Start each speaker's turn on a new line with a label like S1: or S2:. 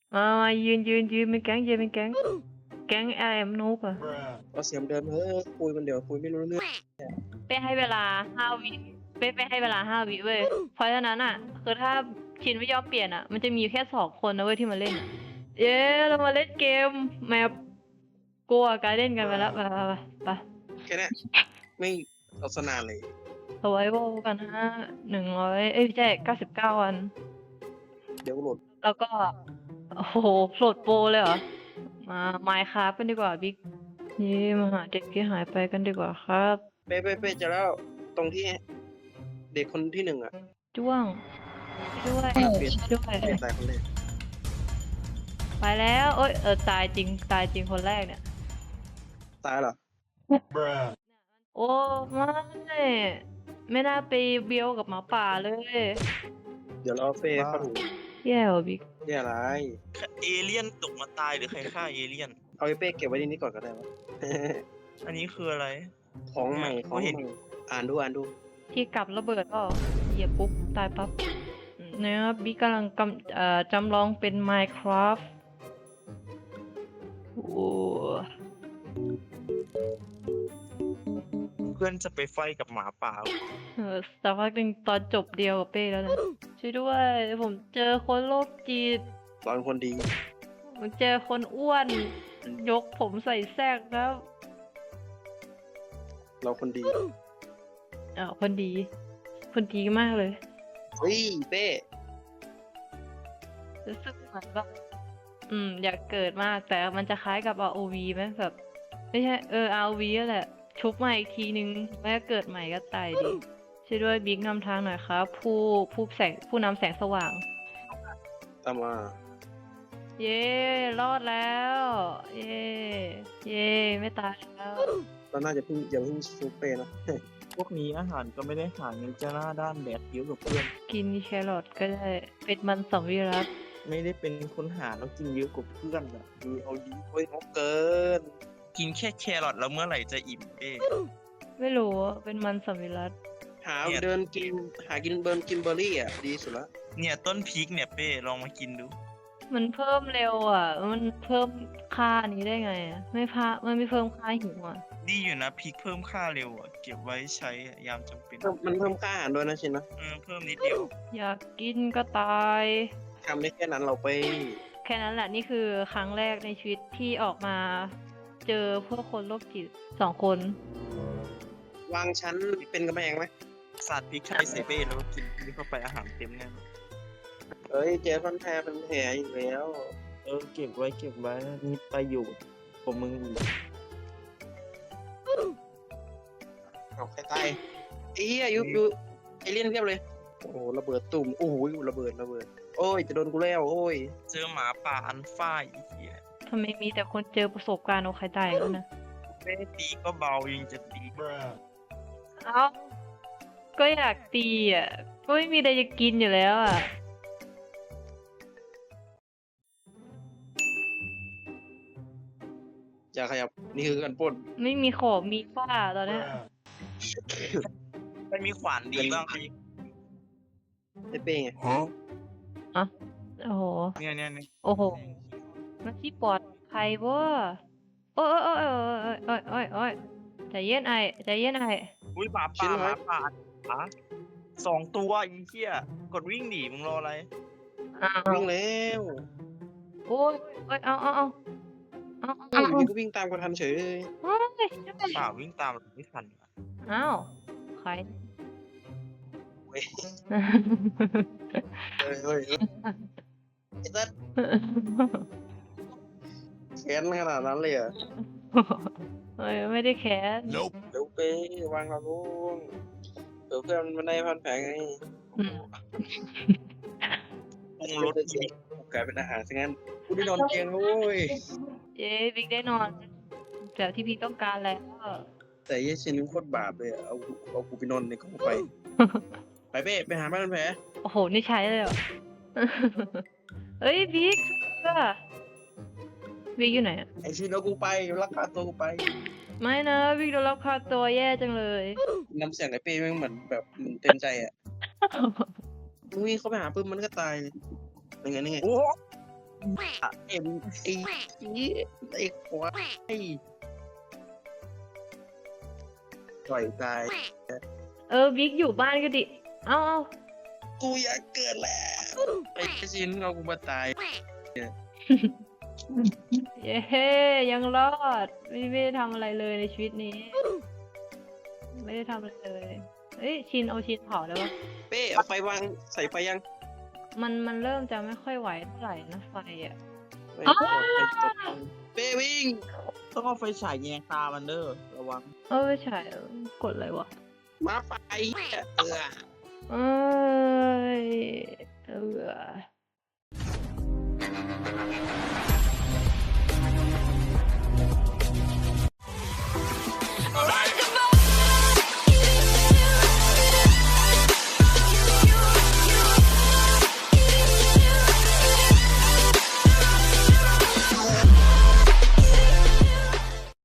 S1: มายืนเป็นแก๊งยืนเป็นแก๊งแก๊งแอมนูบอะ
S2: เอาเสียงเดิมคุยมันเดี๋ยวคุยไม่รู้เรื่อง
S1: เป้ให้เวลา5 วิเป้ให้เวลา5 วิเว้ยเพราะฉะนั้นอ่ะคือถ้าชินไม่ยอมเปลี่ยนอ่ะมันจะมีอยู่แค่2 คนนะเว้ยที่มาเล่นอะเย้เรามาเล่นเกมแมปกลัวการเล่นกันไปแล้วไป
S2: แค่เนี้ยไม่เอาสนานเลย
S1: สไวโวกัน100ไม่ใช่99 วัน
S2: เดี๋ยวโหลด
S1: แล้วก็โอ้โหโหลดโปรเลยเหรอมาไมค์ครับกันดีกว่าบิ๊กนี่มาหาเด็กที่หายไปกันดีกว่าครับ
S2: เป๊ะจะแล้วตรงที่เด็กคนที่1อ่ะ
S1: จ้วงช่วยด้วย
S2: เปลี่ยน
S1: ช่วยด้วย
S2: เปลี่ยนตายคนแรก
S1: ไปแล้วเอ้ยตายจริงคนแรกเนี่ย
S2: ตายเหรอ
S1: โอ้ไม่น่าไปเบียวกับหมาป่าเลย
S2: เดี๋ยวเราเอาเฟ่เข้าถู
S1: แย่ว่ะบิ๊ก
S2: เนี่ยอะไร
S3: เอเลี่ยนตกมาตายหรือใครฆ่าเอเลี่ยน
S2: เอาไอ้เป้เก็บไว้ที่นี่ก่อนก็ได้วะ
S3: อันนี้คืออะไร
S2: ของใหม่ของใหม่อ่านดู
S1: ที่กลับระเบิดก็เหยียบปุ๊บตายปั๊บเนี่ยบิ๊กกำลังจำลองเป็น Minecraft โอ้
S3: เพื่อนจะไปไฟกับหมาป่า
S1: สักพักหนึ่งตอนจบเดียวกับเป้แล้วนะช่วยด้วยผมเจอคนโรคจิต
S2: เราเป็นคนดี
S1: ผมเจอคนอ้วนยกผมใส่แซกครับ
S2: เราคนดี
S1: คนดี คนดีมากเลย
S2: เฮ้ยเป้
S1: รู้สึกเหมือนแบบอยากเกิดมากแต่มันจะคล้ายกับ ROV ไหมแบบไม่ใช่ROV นั่นแหละ ชุบมาอีกทีนึงแล้วเกิดใหม่ก็ตายดิช่วยด้วยบิ๊กนำทางหน่อยครับ ผู้นำแสงสว่าง
S2: ตามมา
S1: เย้รอดแล้ว เย้ไม่ตายแล้ว
S2: เราน่าจะอย่าเพิ่งซูเป้นะ
S3: พวกนี้อาหารก็ไม่ได้หาเงินจะหน้าด้านแดดเยอะกับเพื่อน
S1: กินแครอทก็ได้เป็นมันสวิรัต
S3: ไม่ได้เป็นคนหาแล้วกินเยอะกว่าเพื่อนอ่ะดูเอาดี
S2: เฮ้ยงกเกิน
S3: กินแค่แครอทแล้วเมื่อไหร่จะอิ่มเอ๊ะ
S1: ไม่รู้อะเป็นมันสวิรัต
S2: หาเดินกินหากินเบิร์นกินเบอร์รี่อ่ะดีสุดละ
S3: เนี่ยต้นพริกเนี่ยเป้ลองมากินดู
S1: มันเพิ่มเร็วอ่ะ มันเพิ่มค่านี้ได้ไงอะมันไม่เพิ่มค่าหิวอ่ะ
S3: ดีอยู่นะพริกเพิ่มค่าเร็วอ่ะเก็บไว้ใช้ยามจำเป็น
S2: มันเพิ่มค่าอาหารด้วยนะชินนะ
S3: เพิ่มนิดเดียว
S1: อยากกินก็ตาย
S2: ทำได้แค่นั้นเราไป
S1: แค่นั้นแหละนี่คือครั้งแรกในชีวิตที่ออกมา เจอพวกคนโรคจิต2 คน
S2: วางชั้นเป็นกำแพงไหม
S3: สาดพริกไทยใส่เป้แล้วก็กินนี่เข้าไปอาหารเต็มแน่
S2: เอ้ยเจอพันแพรเป็นแผลอีกแล้ว
S3: เก็บไว้มีประโยชน์ของมึงอยู่
S2: เอาใครตายไอ้เหี้ยอยู่เอเลี่ยนเพียบเลยโอ้โหระเบิดตุ่มโอ้โหระเบิดโอ้ยจะโดนกูแล้วโอ้ย
S3: เจอหมาป่าอันฝ้ายอีกทีย
S1: ทำไมมีแต่คนเจอประสบการณ์เอาใครตายแล้วนะ
S3: เป้ตีก็เบายังจะตี
S1: เอ้า ก็อยากตีอ่ะ ก็ไม่มีอะไรจะกินอยู่แล้วอ่ะ
S2: อย่าขยับนี่คือการปล้น
S1: ไม่มีของมีฝ้าตอนเนี้ย
S3: ไม่มีขวานดีบ้างใคร
S2: ไอ้เป้ไง
S1: โอ้โห
S3: เนี่ย
S1: โอ้โห มันที่ปลอดภัยบ่โอ้ยใจเย็นไอใจเย็นไอ
S3: อุ้ยหมาป่า2 ตัวอีเหี้ยกดวิ่งหนีมึงรออะไร
S1: อ้าว
S2: วิ่งแล้ว
S1: โอ้ยเอา
S2: อยู่ดีก็วิ่งตามกันทันเฉยเลย
S1: โอ้ย
S3: ป่าวิ่งตามไม่ทัน
S1: อ้าวใคร
S2: เฮ้ยไอ้สัสแค้นขนาดนั้นเลยเหรอ
S1: เฮ้ยไม่ได้แค้น
S2: เดี๋ยวเป้วางเราลงเดี๋ยวเพื่อนมันได้พันแผลไง
S1: อืม
S3: ปรุงรส
S2: กลายเป็นอาหารซะงั้นกูได้นอนเตียงแล้วเว้ย
S1: เย้บิ๊กได้นอนแบบที่พี่ต้องการแล้ว
S2: แต่เยชินโคตรบาปเลยอะเอากูไปนอนในกองไฟ ไปเป้ไปหาบ้านพันแผล
S1: โอ้โห นี่ใช้เลยเหรอ เฮ้ยบิ๊กบิ๊กอยู่ไหนอะ
S2: ไอชินเอากูไปลักพาตัวกูไป
S1: ไม่นะบิ๊กโดนรับค่าตัวแย่จังเลย
S2: น้ำเสียงไอเป้แม่งเหมือนแบบมันเต็มใจอ่ะมึงวิ่งเข้าไปหาปุ๊บมันก็ตายเลยยังไง
S3: โอ้
S2: เอ็มไอ้ควายปล่อยตาย
S1: บิ๊กอยู่บ้านก็ดิเอา
S2: กูอยากเกิดแล้วไอ้ชินเอากูมาตาย
S1: เย้ยังรอดไม่ได้ทำอะไรเลยในชีวิตนี้ ไม่ได้ทำอะไรเลยเอ้ยชินเอาชินเผาได้ปะ
S2: เป้เอาไฟวางใส่ไฟยัง
S1: มันเริ่มจะไม่ค่อยไหวเท่าไหร่นะไฟอ่ะ
S2: ไม่กดไฟตกเป้วิ่ง
S3: ต้องเอาไฟฉายแยงตามันเด้อระวัง
S1: ไม่ใช่กดอะไรวะ
S2: มาไฟเออ
S1: เอ้ย